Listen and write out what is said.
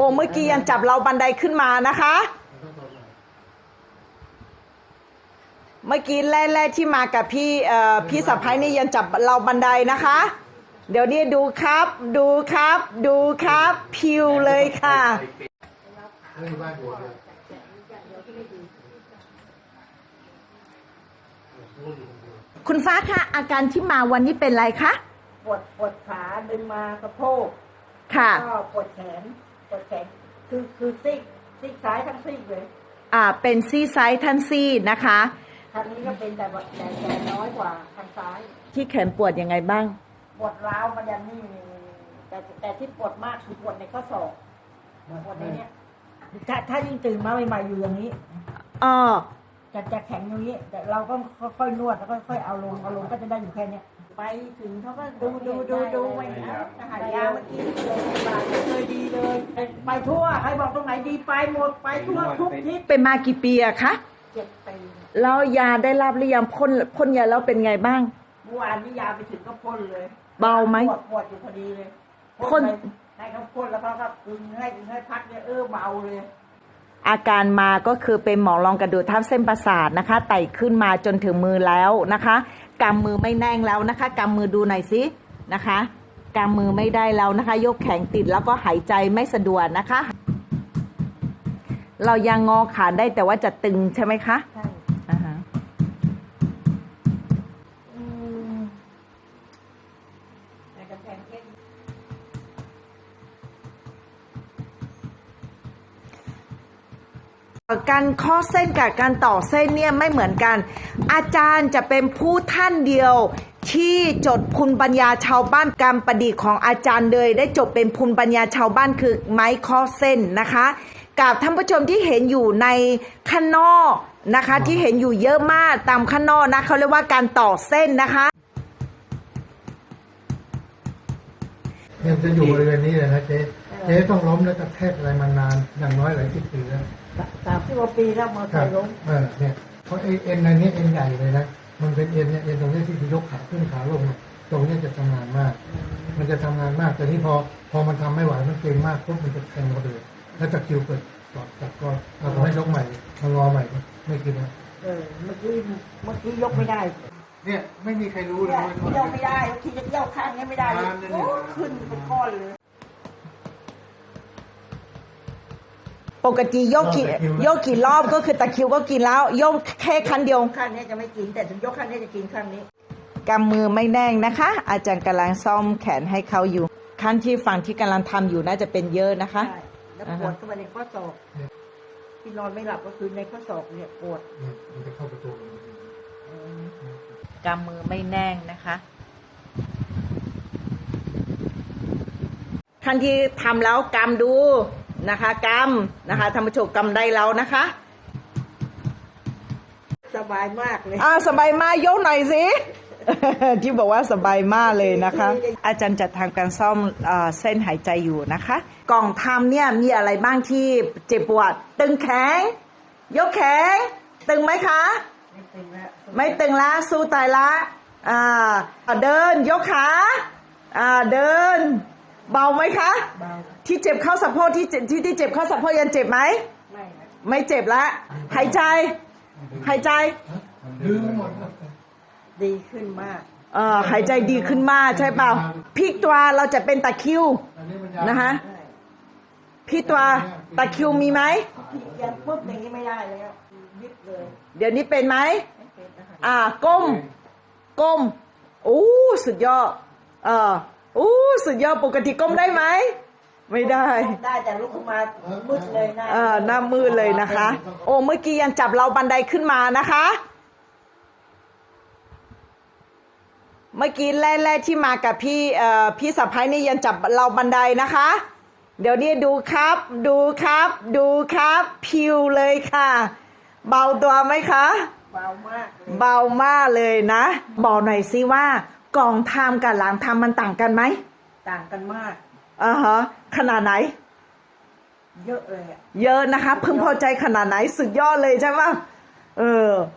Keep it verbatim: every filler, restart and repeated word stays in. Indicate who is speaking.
Speaker 1: เมื่อกี้ยังจับเราบันไดขึ้นมานะคะเมื่อกี้แรกๆที่มากับพี่เอ่อพี่สะพ้ายนี่ยังจับเราบันไดนะคะเดี๋ยวนี้ดูครับดูครับดูครับพิวเลยค่ะคุณฟ้าคะอาการที่มาวันนี้เป็นไรคะ
Speaker 2: ปวดปวดขาดึงมาสะโพก
Speaker 1: ค่ะ
Speaker 2: ก็ปวดแขนปวดแขนคือคือซีกซีกซ้ายทั้งซีกเลย
Speaker 1: อ่าเป็นซี่ไซส์ทันซี่นะคะ
Speaker 2: ทางนี้ก็เป็นแต่แต่แต่น้อยกว่าทางซ้าย
Speaker 1: ที่แขนปวดยังไงบ้าง
Speaker 2: ปวดร้าวมันยันนี่แต่แต่ที่ปวดมากคือปวดในข้อศอกปวดในเนี้ยถ้าถ้ายิ่งตื่นมาใหม่ๆอยู่อย่างนี้
Speaker 1: อ๋อ
Speaker 2: จะจะแข็งอย่างนี้แต่เราก็ค่อยๆนวดแล้วก็ค่อยเอาลงเอาลงก็จะได้อยู่แค่นี้ไปถึงเขาก็ดูดูดูดูไปนะหายาเมื่อกี้เลยบาเลยดีเลยไปทั่วใครบอกตรงไหนดีไปหมดไปทั่วทุกทิศ
Speaker 1: เป็นมากี่ปีอะคะ
Speaker 2: เจ็ดปี
Speaker 1: แล้วยาได้รับหรือยังพ่นพ่นยาแล้วเป็นไงบ้าง
Speaker 2: เมื่อวานนี้ยาไปถึงก็พ่นเลย
Speaker 1: เบาไหม
Speaker 2: ปวดปวดอยู่พอดีเลยพ่นให้เขาพ่นแล้วเขาก็ดึงให้ดึงให้พักเนี่ยเออเบาเลย
Speaker 1: อาการมาก็คือเป็นหมอนรองกระดูกทับเส้นประสาทนะคะไต่ขึ้นมาจนถึงมือแล้วนะคะกำมือไม่แน่งแล้วนะคะกำมือดูหน่อยสินะคะกำมือไม่ได้แล้วนะคะยกแขนติดแล้วก็หายใจไม่สะดวกนะคะเรายังงอขาได้แต่ว่าจะตึงใช่ไหมคะ
Speaker 2: ใช่
Speaker 1: อ่าฮะการข้อเส้นกับการต่อเส้นเนี่ยไม่เหมือนกันอาจารย์จะเป็นผู้ท่านเดียวที่จดภูมิปัญญาชาวบ้านการประดิษฐ์ของอาจารย์เลยได้จดเป็นภูมิปัญญาชาวบ้านคือไม้ข้อเส้นนะคะกับท่านผู้ชมที่เห็นอยู่ในข้างนอกนะคะที่เห็นอยู่เยอะมากตามข้างนอกนะเขาเรียกว่าการต่อเส้นนะคะ
Speaker 3: เนี่ยจะอยู่บริเวณนี้เลยนะเจ๊เจ๊ต้องล้มแล้วกระแทกอะไรมานานอย่างน้อยหลายสิบปีแล้ว
Speaker 2: สามสิบกว่าปีแล้วมาเคยล้ม
Speaker 3: เออเนี่ยเพราะเอ็นในนี้เอ็นใหญ่เลยนะมันเป็นเอ็นเนี่ยเอ็นตรงนี้ที่ยกขาขึ้นขาลงตรงนี้จะทำงานมากมันจะทำงานมากแต่ที่พอพอมันทำไม่ไหวมันเก่งมากปุ๊บมันจะแทงกระดูกแล้วตะคิวเกิดกอดจับก็เราให้ยกใหม่มางอใหม่ไม่คิดนะ
Speaker 2: เออเมื่อกี้เมื่อกี้ยกไม่ได้
Speaker 3: เนี่ยไม่มีใครรู้เลย
Speaker 2: ว่ายกไม่ได้ทีจะยกข้างนี้ไม่ได้โอ้ขึ้นเป็นก้อนเลย
Speaker 1: ปกติยกกี่ยกกี่รอบก็คือตะคิวก็กินแล้วยกแค่ครั้งเดียว
Speaker 2: ข้างนี้จะไม่กินแต่ถึงยกข้างนี้จะกินข้างนี้
Speaker 1: กำมือไม่แน่งนะคะอาจารย์กำลังซ่อมแขนให้เขาอยู่ขั้นที่ฝั่งที่กำลังทำอยู่น่าจะเป็นเยอะนะคะ
Speaker 2: แล้วปวดเข้าไปในข้อศอกที่นอนไม่หลับก็คือในข้อศอกเนี่ยปวด
Speaker 3: มันจะเข้าประตู
Speaker 1: กำมือไม่แน่งนะคะขั้นที่ทำแล้วกำดูนะคะกำนะคะท่านผู้ชมกำได้แล้วนะคะ
Speaker 2: สบายมากเลย
Speaker 1: อ่าสบายมากยกหน่อยสิ ที่บอกว่าสบายมากเลยนะคะอาจารย์จะทำการซ่อมเส้นหายใจอยู่นะคะกล่องทำเนี่ยมีอะไรบ้างที่เจ็บปวดตึงแขนยกแขนตึงไหมคะ
Speaker 2: ไม่ตึงแล้ว
Speaker 1: ไม่ตึงละสู้ตายละอ่าเดินยกขาอ่าเดินเบาไหมคะ
Speaker 2: เบา
Speaker 1: ที่เจ็บเข้าสะโพกที่ที่ที่เจ็บเข้าสะโพกยังเจ็บไหม
Speaker 2: ไม่
Speaker 1: ไม่เจ็บละหายใจหายใจ
Speaker 2: ดีขึ้นมาก
Speaker 1: เอ่อหายใจดีขึ้นมากใช่เปล่าพี่ตัวเราจะเป็นตะคิวนะคะพี่ตัวตะคิวมีไหม
Speaker 2: ยังปุ๊บอย่างนี้ไม่ได้แล้วยิบเลย
Speaker 1: เดี๋ยวนี้เป็นไหมอ่าก้มก้มโอ้สุดยอดเออโอ้สุดยอดปกติก้มได้ไหมไม่ได้
Speaker 2: ได้แต่ลุกขึ้นมามืดเลยนะ
Speaker 1: เออหน้ามืดเลยนะคะโอ้เมื่อกี้ยังจับเราบันไดขึ้นมานะคะเมื่อกี้แรกๆที่มากับพี่เอ่อพี่สะพ้ายนี่ยังจับเราบันไดนะคะเดี๋ยวนี้ดูครับดูครับดูครับพิวเลยค่ะเบาตัวไหมคะ
Speaker 2: เบามาก
Speaker 1: เบามากเลยนะบอกหน่อยสิว่ากล่องทำกับหลังทำมันต่างกันไหม
Speaker 2: ต่างกันมาก
Speaker 1: อ่าฮะขนาดไหน
Speaker 2: เยอะเลยอะ
Speaker 1: เยอะนะคะพึงพอใจขนาดไหนสุดยอดเลยใช่ไหมเออ